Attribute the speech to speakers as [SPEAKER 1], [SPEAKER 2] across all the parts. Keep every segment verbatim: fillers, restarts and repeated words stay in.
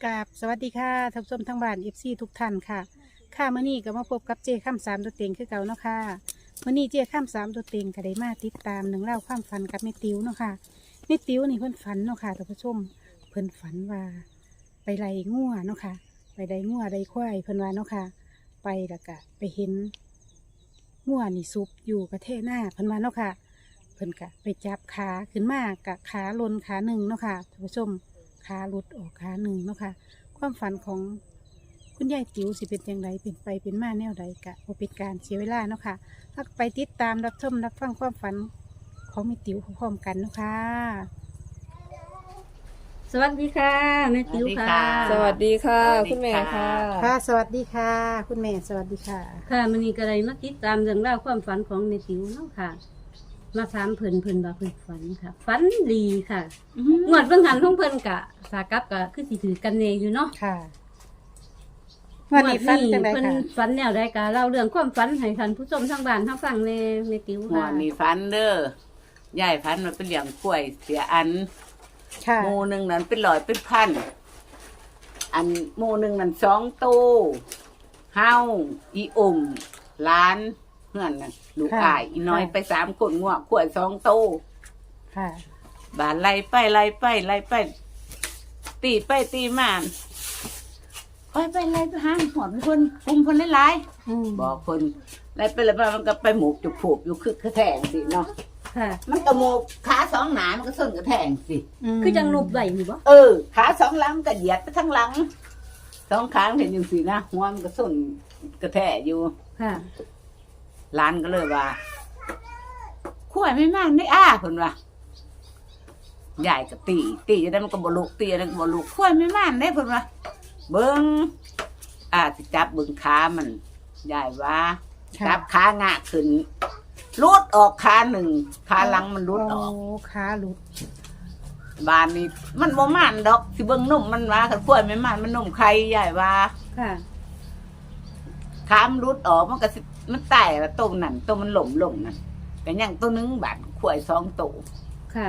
[SPEAKER 1] กราบสวัสดีค่ะท่านผู้ชมทั้งบ้านเอฟซีทุกท่านค่ะค่ะมื่อนี้ก็มาพบกับเจข้ามสามตัวเต็งคือเก่าเนาะค่ะมื่อนี้เจข้ามสามตัวเต็งก็ได้มาติดตามหนึ่องเล่าวความฝันกับแม่ติ๋วเนาะค่ะแม่ติ๋วนี่เพิ่นฝันเนาะค่ะท่านผู้ชมเพิ่นฝันว่าไปไล่งัวเนาะค่ะไปไล่งัวไล่ควายเพิ่นว่าเนาะค่ะไปแล้วก็ไปเห็นงัวนี่ซุบอยู่กระเทหน้าเพิ่นว่าเนาะค่ะเพิ่นก็ไปจับขาขึ้นมากะขาลนขาหนึ่งเนาะค่ะท่านผู้ชมขาหลุดออกขาหนึ่งเนาะค่ะความฝันของคุณยายติ๋วสิเป็นอย่างไรเป็นไปเป็นมาแนวใดกะบ่เป็นการเสียเวลาเนาะค่ะถ้าไปติดตามรับชมรับฟังความฝันของแม่ติ๋วพร้อมๆกันเนาะค่ะสวัสดีค่ะแม่ติ๋วค่ะ
[SPEAKER 2] สวัสดีค่ะ
[SPEAKER 3] สวัสดีค่ะ
[SPEAKER 2] คุณแม่ค่ะ
[SPEAKER 1] ค่ะสวัสดีค่ะ คุณแม่สวัสดีค่ะ
[SPEAKER 4] ค่ะมันนี่ก็เลยมาติดตามเรื่องราวความฝันของแม่ติ๋วเนาะค่ะ มาถามเพิ่นเพิ่นว่าเพิ่นฝันค่ะฝันดีค่ะงวดเบิ่งหันของเพิ่นกะสากับกะคือสิถือกันเนอยู่เนาะ
[SPEAKER 1] ค่ะวันนี้ฝันจังได
[SPEAKER 4] เพิ่น
[SPEAKER 1] ค่ะ
[SPEAKER 4] ฝันแนวใดกะเล่าเรื่องความฝันให้ท่านผู้ชมทางบ้านทางฟังแน่แม่ติ๋ว
[SPEAKER 3] หัว
[SPEAKER 4] ค่ะ
[SPEAKER 3] มีฟันเด้อยายฟันมันเป็นเหลี่ยงกล้วยเสียอัน
[SPEAKER 1] ค่ะ
[SPEAKER 3] หมูหนึ่งนั้นเป็นร้อยเป็นพันอันหมูหนึ่งนั้นสองตู้เฮาอีอุ่มล้านเพื่อนน่ะลูกอายอีน้อยไปสามคนง่วงกล้วยสองตู้
[SPEAKER 1] ค่ะ
[SPEAKER 3] บานไล่ไปไล่ไปไล่ไป ตีไปตีมาไปไปไล่ไปหาหอดคนคุมคนหลาย
[SPEAKER 1] อืม
[SPEAKER 3] ๆบอกคนไล่ไปไล่ไปมันก็ไปหมูกจุกผูกอยู่คือกระแทงสิเนาะ
[SPEAKER 4] ค่ะ
[SPEAKER 3] มันก็หมูกขาสองหนามันก็ส้นกระแทงสิ
[SPEAKER 1] ม
[SPEAKER 4] คือจังรูปไหวนี่บ่
[SPEAKER 3] เออขาสองหลังก็เหยียดไปทั้งหลังสองขาเห็นอย่างสินะหัวมันก็ส้นกระแทกอยู่
[SPEAKER 4] ค่ะ
[SPEAKER 3] ร้านก็เลยว่าขั้วไม่มากได้อ้าคนว่าใหญ่ก็ตีตีจะได้มันก็บลุกตีอะไรก็บลุกขั้วไม่มากได้คนว่าเบิ้งอาสิจับเบิ้งขามันใหญ่ว่า
[SPEAKER 1] ค่ะ
[SPEAKER 3] จับขางะขึ้นรูดออกขาหนึ่งขาหลังมันรูดออก
[SPEAKER 1] โขาหลุด
[SPEAKER 3] บานนี้มันบ่มันดอกสิเบิ่งนมมันว่าคันกล้วยไม่มันมันนมใครใหญ่ว่า
[SPEAKER 4] ค่ะ
[SPEAKER 3] ขามรุดออกมันก็สิมันแตกแล้วต้มนั่นต้มมันหล่มหล่มนั่นแต่ยังตัวหนึงบาดขวายสองตัว
[SPEAKER 4] ค่ะ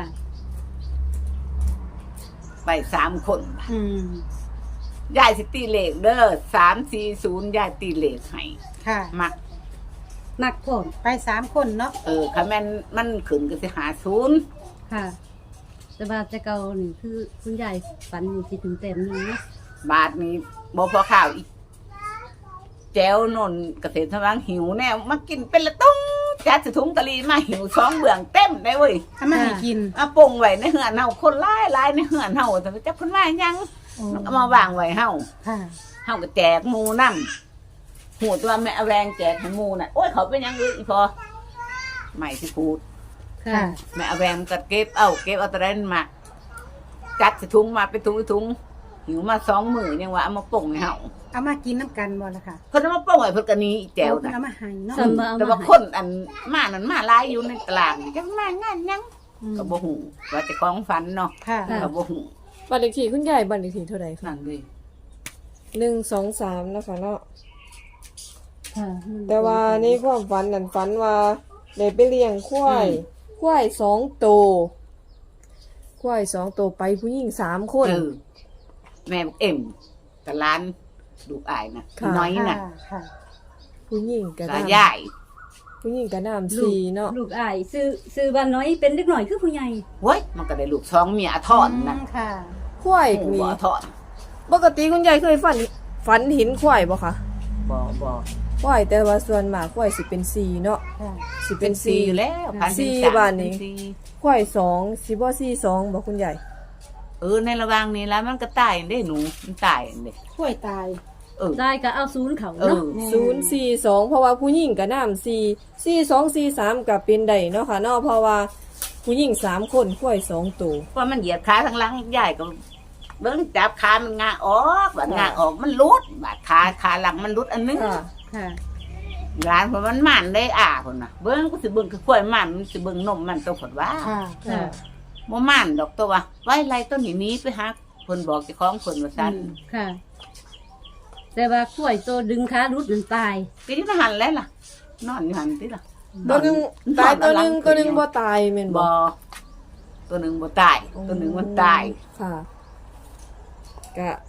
[SPEAKER 3] ไปสามคน
[SPEAKER 1] อืม
[SPEAKER 3] ยายสิตีเลขเด้อสามสี่ศูนย์ยายตีเลขให้
[SPEAKER 1] ค่ะ
[SPEAKER 3] มัก
[SPEAKER 4] มักพร้อม
[SPEAKER 1] ไปสามคนเนาะ
[SPEAKER 3] เออคันแม่นมันขึ้นก็สิหาศูนย์
[SPEAKER 4] ค่ะแต่ว่าแต่เก่านี่คือคุณยายฝันนี่สิถึงเต็มหนึงเนาะ
[SPEAKER 3] บาทนี้บ่พอข้าวอีกแจ้วนนเกษตรทวังหิวแน่มากินเป็นละตุ้งจัดสิถุงตะลีมาหิวสองเบื้องเต็มได้เว้ย
[SPEAKER 1] ถ้ามาให้กิน
[SPEAKER 3] เอาปงไว้ในเหือนเฮาคนร้ายร้ายในเหือนเฮาแต่จับคนว่ายัง
[SPEAKER 1] โอ้
[SPEAKER 3] เอามาวางไว้เฮา
[SPEAKER 1] ค่ะ
[SPEAKER 3] เฮาก็แจกหมูนำหูตัวแม่เอาแรงแจกให้หมูน่ะโอ้ยเขาเป็นหยังเลยอีพอไม่ที่พูด
[SPEAKER 4] ค่ะ
[SPEAKER 3] แม่เอาแรงก็เก็บเอาเก็บเอาตะเรนมาจัดใส่ถุงมาเป็นถุงเป็นถุงหิวมาสองมื้อยังว่าเอามาปงให้เฮา
[SPEAKER 1] เอามากินน้ำกันบ่ล่ะค่ะ
[SPEAKER 3] เพิ่นเอามาปงไว้เพิ่นก็หนี้แจว
[SPEAKER 1] โอ้เพิ่น
[SPEAKER 3] น่ะ
[SPEAKER 1] เอามาให้เนาะ
[SPEAKER 4] ส่วนบ่เอา
[SPEAKER 3] แต่ว่า
[SPEAKER 4] มาให้
[SPEAKER 3] คนอันมานั่นมาหลายอยู่ในตลาดนี่จังมางานหยัง
[SPEAKER 1] อืม
[SPEAKER 3] ก็บ่ฮู้ว่าเจะของฝันเนาะ
[SPEAKER 1] ค่ะ
[SPEAKER 3] ก็บ่ฮู้
[SPEAKER 2] บัตรเลขที่คุณยายบัตรเลขที่เท่าไหร่คะ
[SPEAKER 3] นั่นเลย
[SPEAKER 2] หนึ่งสองสามนะคะเนาะ
[SPEAKER 4] ค่ะ
[SPEAKER 2] แต่ว่าในความฝันนั่นฝันว่าได้ไปเลี้ยงควายควายสองตัวควายสองตัวไปผู้หญิงสามคน
[SPEAKER 3] เออแม่บอกเอ็มกับร้านลูกอายนะ
[SPEAKER 2] ค่ะ
[SPEAKER 3] น้อยน่ะ
[SPEAKER 1] ค่ะค่ะ
[SPEAKER 2] ผู้หญิงกระ
[SPEAKER 3] กา
[SPEAKER 2] น้
[SPEAKER 3] ใหญ่
[SPEAKER 2] ำผู้หญิงกระน้ำ
[SPEAKER 4] ลูก
[SPEAKER 2] สี่เนาะ
[SPEAKER 4] ลูกอายซื้อซื้อบ้านน้อยเป็นเล็กหน่อยคือผู้ใหญ่
[SPEAKER 3] เว้ยมันก็ได้ลูกสองเมียทอดนะ
[SPEAKER 1] มค่ะ
[SPEAKER 2] ควาย
[SPEAKER 3] หมู
[SPEAKER 2] มี
[SPEAKER 3] บ่ทอด
[SPEAKER 2] ปกติคุณยายเคยฝันฝันเห็นควายบ่คะ
[SPEAKER 3] บ่บ่
[SPEAKER 2] ควายแต่ว่าส่วนมากควายสิเป็นสี่เนาะ
[SPEAKER 1] ค่ะ
[SPEAKER 2] สิ
[SPEAKER 3] เป็
[SPEAKER 2] เป็น น
[SPEAKER 3] ซี
[SPEAKER 2] สี่
[SPEAKER 3] อยู่แล้วพัน
[SPEAKER 2] สี่
[SPEAKER 3] เป็นสม
[SPEAKER 2] บาทนี้
[SPEAKER 3] เป็สี่
[SPEAKER 2] ควายสองสิบ่สี่สองบ่คุณยาย
[SPEAKER 3] เออในระหว่างนี้แล้วมันก็ตายได้หนูมันตายเด้
[SPEAKER 1] ช่วยตาย
[SPEAKER 3] เออ
[SPEAKER 4] ได้ก็เอาศูนย์เขา
[SPEAKER 3] เอ
[SPEAKER 4] เนาะ
[SPEAKER 3] อ
[SPEAKER 2] ศูนย์สี่สองเพราะว่าผู้หญิงกับน้ำสี่สี่สองสี่สามกับเป็นได้เนาะค่ะเนาะเพราะว่าผู้หญิงสามคนควายสองตัว
[SPEAKER 3] เพราะมันเหยียดขาทั้งหลังใหญ่ก็เบิ่งจับขามันงาออกบาดงาออกมันหลุดบาดขาขาหลังมันหลุดอันนึง
[SPEAKER 2] ค่ะ
[SPEAKER 4] ค่ะ
[SPEAKER 3] ร้านเพราะมันมันได้อ่าพุ่นน่ะเบิ่งก็สิเบิ่งคือข้อยมันมันสิเบิ่งนมมันตัวผดว่า
[SPEAKER 1] ค่ะ
[SPEAKER 4] ค่ะ
[SPEAKER 3] บ่มันดอกตัวว่าไว้ไรต้นนี้นี้ไปหาเพิ่นบอกเจ้าของเพิ่นว่าซั่น
[SPEAKER 4] ค่ะ แต่ว่าข้วยตัวดึงขารุดจนตาย
[SPEAKER 3] ก็อยู่ในหันแล้วล่ะ นอนอยู่หันติล่ะ
[SPEAKER 2] ตัวหนึ่งตายตัวหนึ่งตัวหนึ่งบ่ตายแม่นบ่
[SPEAKER 3] บ่ตัวหนึงบ่ตาย ตัวหนึงมันตาย
[SPEAKER 2] ค่ะกะ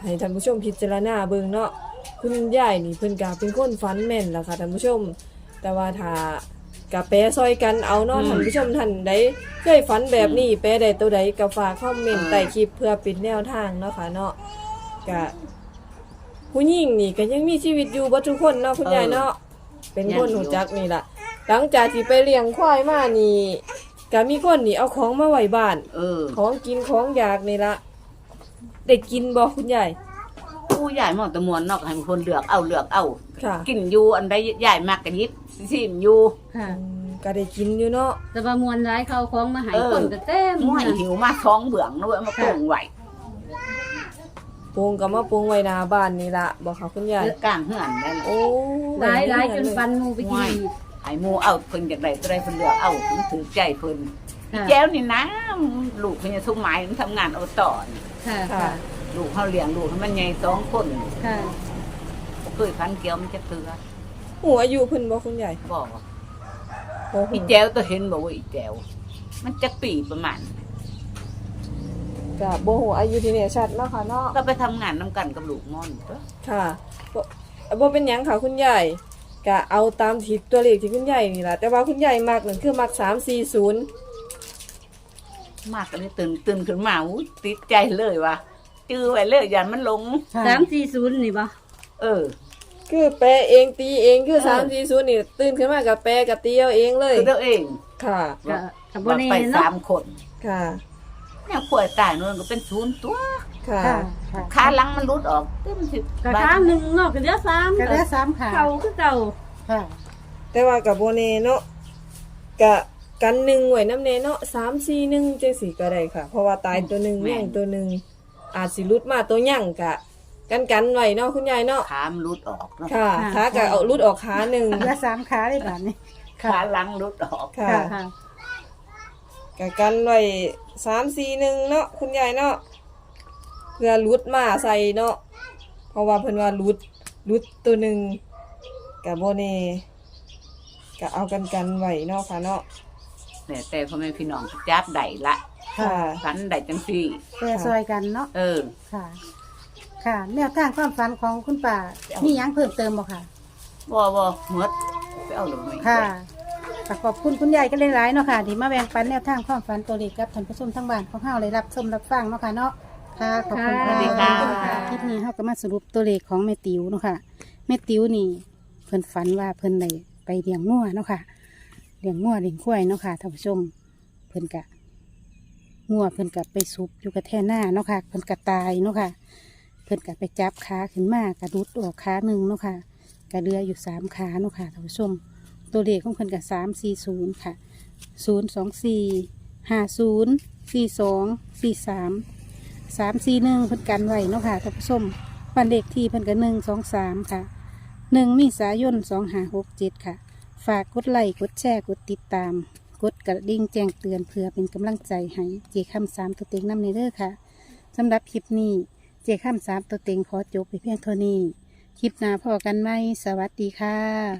[SPEAKER 2] ให้ท่านผู้ชมพิจารณาเบิ่งเนาะคุณยายนี่เพิ่นก็เป็นคนฝันแม่นล่ะค่ะท่านผู้ชม แต่ว่าถ้ากะแปรซอยกันเอาเนาะท่านผู้ชมท่านใดเคยฝันแบบนี้แปรได้ตัวใดก็ฝากคอมเมนต์ใต้คลิปเพื่อเป็นแนวทางเนาะค่ะเนาะกะผู้หญิงนี่ก็ยังมีชีวิตอยู่บ่ทุกคนเนาะคุณยายเนาะเป็นคนรู้จักนี่ล่ะหลังจากที่ไปเลี้ยงควายมานี่ก็มีคนนี่เอาของมาไว้บ้าน
[SPEAKER 3] เออ
[SPEAKER 2] ของกินของอยากนี่ละได้กินบ่คุณยาย
[SPEAKER 3] ผู้ใหญ่หมอตะมวนเนอกให้คนเลือกเอาเลือกเอา
[SPEAKER 2] ค่ะ
[SPEAKER 3] กินอยู่อันใดใหญ่มากก็ยิบซิมอยู่
[SPEAKER 4] ค่ะ
[SPEAKER 2] อืมก็ได้กินอยู่เนาะ
[SPEAKER 4] แต่ว่ามวลร้ายเขาของมาใหาย
[SPEAKER 3] เออ
[SPEAKER 4] คนก็เต็ม
[SPEAKER 3] ม่วย
[SPEAKER 4] ค่ะ
[SPEAKER 3] หิวมาท้องเบื่องนะเว้ยมาโป่งไหว
[SPEAKER 2] ปรุงก็มาปรุงไว้หน้าบ้านนี่ละบ่ค่ะคุณยาย
[SPEAKER 3] เลือกกลางเหือนได้ละ
[SPEAKER 2] โอ้
[SPEAKER 4] ร้ายร้ายจนฟันหมูไปกิน
[SPEAKER 3] ไอ้หมูเอาเพิ่นจากใดตัวใดเพิ่นเลือกเอาเพิ่นถือใจเพิ่น
[SPEAKER 4] ค่ะ
[SPEAKER 3] แจ้วนี่นะลูกเพิ่นจะทุ่มไม้มันทำงานเอาต่อนี่
[SPEAKER 4] ค่ะ
[SPEAKER 2] ค่ะ
[SPEAKER 4] ค่ะ
[SPEAKER 3] ลูกเขาเลี้ยงลูกให้มันใหญ่สองคน
[SPEAKER 4] ค่ะ
[SPEAKER 3] บ่เคยพันเกี่ยวมันจะเตือ
[SPEAKER 2] หูอายุเพิ่นบ่คุณยาย
[SPEAKER 3] บอก
[SPEAKER 2] โอ้โห
[SPEAKER 3] อีแจ้วตัวเห็นบอกว่าอีแจ้วมันจะปีประมาณ
[SPEAKER 2] ก็บ่ฮู้อายุที่แน่ชัดเนาะค่ะเนาะ
[SPEAKER 3] ก็ไปทำงานนํกันกับลูกม่อนตัว
[SPEAKER 2] ค่ะบ่บ่เป็นหยังค่ะคุณยายก็เอาตามที่ตัวเลขที่คุณยายนี่ล่ะแต่ว่าคุณยายมักนั่นคือมักสามสี่ศูนย์
[SPEAKER 3] มากก็เลยตื่นตื่นขึ้นมาอุ้ยติดใจเลยว่ะจื้อไว้เลยอย่ามันหลง
[SPEAKER 4] สามสี่ศูนย์นี่บ่
[SPEAKER 3] เออ
[SPEAKER 2] คือแปลเองตีเองคือ
[SPEAKER 3] เออ
[SPEAKER 2] สามสี่ศูนย์นี่ตื่นขึ้นมาก็แปลก็ตีเอาเองเลย
[SPEAKER 3] คือตัวเอง
[SPEAKER 2] ค่ะ
[SPEAKER 4] ก็กับบ่
[SPEAKER 3] ว่า
[SPEAKER 4] แน่
[SPEAKER 3] ไป
[SPEAKER 4] เนาะ
[SPEAKER 3] สามคน
[SPEAKER 2] ค่ะ
[SPEAKER 3] เนี่ยป่วยตายนู่นก็เป็นศูนย์ตัว
[SPEAKER 2] ค่ะ
[SPEAKER 1] ค่ะค่ะ
[SPEAKER 3] ขาหลังมันรุดออกเต็มสิบ
[SPEAKER 4] กระทางหนึ่งเนาะก็เหลือสาม
[SPEAKER 1] ก็ได้สามขา
[SPEAKER 4] เก่าคือเก่า
[SPEAKER 1] ค่ะ
[SPEAKER 2] แต่ว่ากับโบเน่เนาะกะกันหนึ่งไว้น้ำเนเนาะสามสี่หนึ่งจังสี่ก็ได้ค่ะ เพราะว่าตายตัวหนึ่งย่างตัวหนึ่งอาจสิรุดมาตัวย่างกะ กันกันไว้เนาะคุณยายเนาะ
[SPEAKER 3] ขามันรุดออกเนาะ
[SPEAKER 2] ค่ะขากะเอารุดออกขาหนึ่ง
[SPEAKER 1] เหลือสามขาได้บาดนี้
[SPEAKER 3] ขาหลังรุดออก
[SPEAKER 2] ค่ะ
[SPEAKER 4] ค่ะ
[SPEAKER 2] กะกันไว้สามสี่หนึ่งเนาะคุณยายเนาะเพื่อรุดมาใส่เนาะเพราะว่าเพิ่นว่ารุดรุดตัวหนึ่งกะโบเน่กะเอากันกันไว้เนาะค่ะเนาะ
[SPEAKER 3] แต่แต่พ่อแม่พี่น้องจับได้ละ
[SPEAKER 2] ค่ะ
[SPEAKER 3] ฝันได้จังซี่
[SPEAKER 1] แปรซอยกันเนาะ
[SPEAKER 3] เออ
[SPEAKER 1] ค่ะ ค่ะแนวทางความฝันของคุณป่ามีหยังเพิ่มเติมบ่ค่ะ
[SPEAKER 3] บ่บ่หมดไปเอาหรือไม่
[SPEAKER 1] ค่ะก็ขอบคุณคุณยายก็หลายๆเนาะค่ะที่มาแบ่งปันแนวทางความฝันตัวเลขกับท่านผู้ชมทั้งบ้านของเฮาเลยรับชมรับฟังเนาะค่ะเนาะค่ะขอบคุณ
[SPEAKER 4] สวัสดี
[SPEAKER 1] ค่ะ
[SPEAKER 4] ค่ะ
[SPEAKER 1] คลิปนี้เฮาก็มาสรุปตัวเลขของแม่ติ๋วเนาะค่ะแม่ติ๋วนี่เพิ่นฝันว่าเพิ่นได้ไปเลี้ยงงัวเนาะค่ะเลี้ยงงัวเลี้ยงควายเนาะค่ะท่านผู้ชมเพิ่นกะงัวเพิ่นกะไปซุบอยู่กับแท่หน้าเนาะค่ะเพิ่นกะตายเนาะค่ะ เพิ่นกะไปจับขาขึ้นมากระดุดออกขาหนึ่งเนาะค่ะกระเดืออยู่สามขาเนาะค่ะท่านผู้ชม ตัวเลขของเพิ่นกะสามสี่ศูนย์ค่ะศูนย์สองสี่ห้าศูนย์สี่สองสี่สามสามสี่หนึ่งเพิ่นกันไว้เนาะค่ะท่านผู้ชมบ้านเลขที่เพิ่นกะหนึ่งสองสามค่ะหนึ่งมีสายนสองห้าหกเจ็ดค่ะ ฝากกดไลค์กดแชร์กดติดตาม กดกระดิ่งแจ้งเตือนเพื่อเป็นกำลังใจให้เจคำสามตัวเต็งน้ำในเด้อค่ะสำหรับคลิปนี้ เจคำสามตัวเต็งขอจบไปเพียงเท่านี้ คลิปหน้าพอกันไหม สวัสดีค่ะ